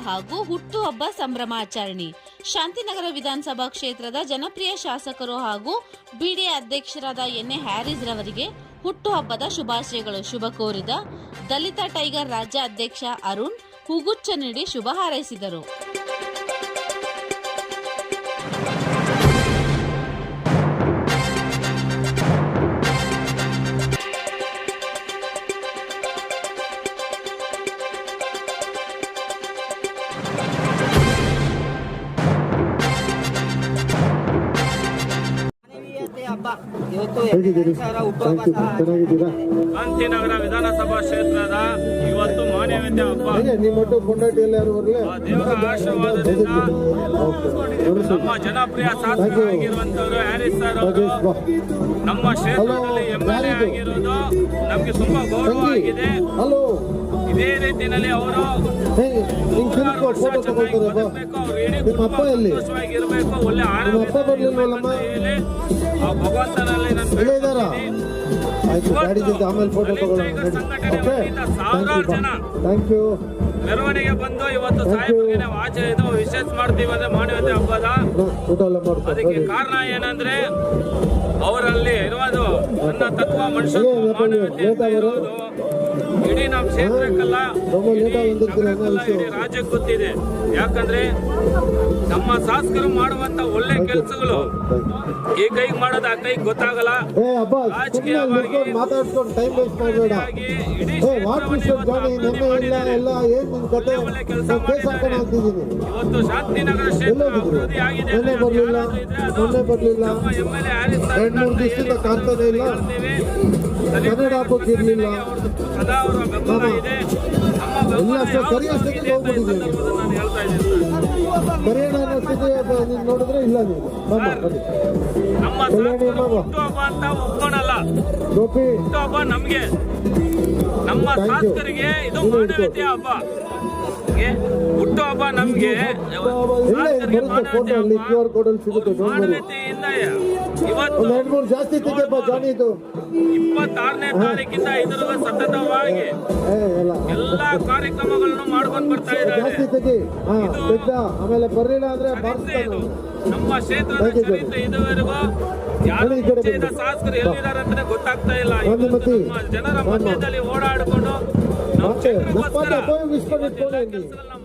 ಹಾಗೂ ಹುಟ್ಟುಹಬ್ಬ ಸಂಭ್ರಮಾಚರಣೆ. ಶಾಂತಿನಗರ ವಿಧಾನಸಭಾ ಕ್ಷೇತ್ರದ ಜನಪ್ರಿಯ ಶಾಸಕರು ಹಾಗೂ ಬಿಡಿಎ ಅಧ್ಯಕ್ಷರಾದ ಎನ್.ಎ. ಹ್ಯಾರಿಸ್ ರವರಿಗೆ ಹುಟ್ಟುಹಬ್ಬದ ಶುಭಾಶಯಗಳು. ಶುಭ ಕೋರಿದ ದಲಿತ ಟೈಗರ್ ರಾಜ್ಯ ಅಧ್ಯಕ್ಷ ಅರುಣ್ ಹೂಗುಚ್ಛ ನೀಡಿ ಶುಭ ಹಾರೈಸಿದರು. ಶಾಂತಿನಗರ ವಿಧಾನಸಭಾ ಕ್ಷೇತ್ರದ ಇವತ್ತು ಮಾನವೀಯತೆ ಹಬ್ಬ. ದೇವರ ಆಶೀರ್ವಾದದಿಂದ ನಮ್ಮ ಜನಪ್ರಿಯ ಶಾಸಕರಾಗಿರುವಂತವರು ಹ್ಯಾರಿಸ್ ಸರ್ ಅವರು ನಮ್ಮ ಕ್ಷೇತ್ರದಲ್ಲಿ MLA ಆಗಿರೋದು ನಮಗೆ ತುಂಬಾ ಗೌರವ ಆಗಿದೆ. ಇದೇ ರೀತಿಯಲ್ಲಿ ಅವರು ಸಂತೋಷವಾಗಿರ್ಬೇಕು, ಒಳ್ಳೆ ಆರೋಗ್ಯದಲ್ಲಿ ಆ ಭಗವಂತನಲ್ಲಿ ಸಾವಿರಾರು ಜನ ಮೆರವಣಿಗೆ ಬಂದು ಇವತ್ತು ಸಾಹೇಬರಿಗೆ ಆಚೆ ಇದು ವಿಶೇಷ ಮಾಡ್ತೀವಿ ಅಂದ್ರೆ ಮಾನವೀಯತೆ ಹಬ್ಬದ. ಅದಕ್ಕೆ ಕಾರಣ ಏನಂದ್ರೆ ಅವರಲ್ಲಿ ಇರೋದು ನನ್ನ ತತ್ವ ಮನುಷ್ಯ ಮಾನವೀಯತೆ ಇರೋದು ಇಡೀ ನಮ್ಮ ಕ್ಷೇತ್ರಕ್ಕಲ್ಲ, ಇಡೀ ರಾಜ್ಯಕ್ಕೆ ಗೊತ್ತಿದೆ. ಯಾಕಂದ್ರೆ ನಮ್ಮ ಶಾಸಕರು ಮಾಡುವಂತ ಒಳ್ಳೆ ಕೆಲಸಗಳು ಈ ಕೈಗೆ ಮಾಡೋದು ಆ ಕೈಗೆ ಗೊತ್ತಾಗಲ್ಲ. ರಾಜಕೀಯವಾಗಿ ಇವತ್ತು ಶಾಂತಿನಗರ ಕ್ಷೇತ್ರ ಅಭಿವೃದ್ಧಿ ಆಗಿದೆ. ನಮ್ಮ MLA ಹ್ಯಾರಿಸ್ ಕನ್ನಡ ಹಾಕೋಕ್ಕಿರ್ಲಿಲ್ಲ, ಸದಾ ಅವರ ಬೆಂಬಲ ಇದೆ. ನೋಡಿದ್ರೆ ಇಲ್ಲ ನಮ್ಮ ಹುಟ್ಟುಹಬ್ಬ ಅಂತ ಒಪ್ಕೊಳಲ್ಲ. ಹುಟ್ಟುಹಬ್ಬ ನಮ್ಗೆ, ನಮ್ಮ ಶಾಸಕರಿಗೆ ಇದು ಮಾನವೀಯತೆ ಹಬ್ಬ. ಹುಟ್ಟುಹಬ್ಬ ನಮ್ಗೆ ಮಾನವೀಯತೆಯಿಂದ ಇವತ್ತು 26ನೇ ತಾರೀಕಿಂದ ಇದರ ಸತತವಾಗಿ ಎಲ್ಲಾ ಕಾರ್ಯಕ್ರಮಗಳನ್ನು ಮಾಡ್ಕೊಂಡು ಬರ್ತಾ ಇದ್ದಾರೆ. ನಮ್ಮ ಕ್ಷೇತ್ರದ ಚರಿತ್ರೆ ಇದುವರೆಗೂ ಯಾರು ಶಾಸಕರು ಎಲ್ಲಿದ್ದಾರೆ ಅಂತ ಗೊತ್ತಾಗ್ತಾ ಇಲ್ಲ. ಜನರ ಮಧ್ಯದಲ್ಲಿ ಓಡಾಡಿಕೊಂಡು ನಾವು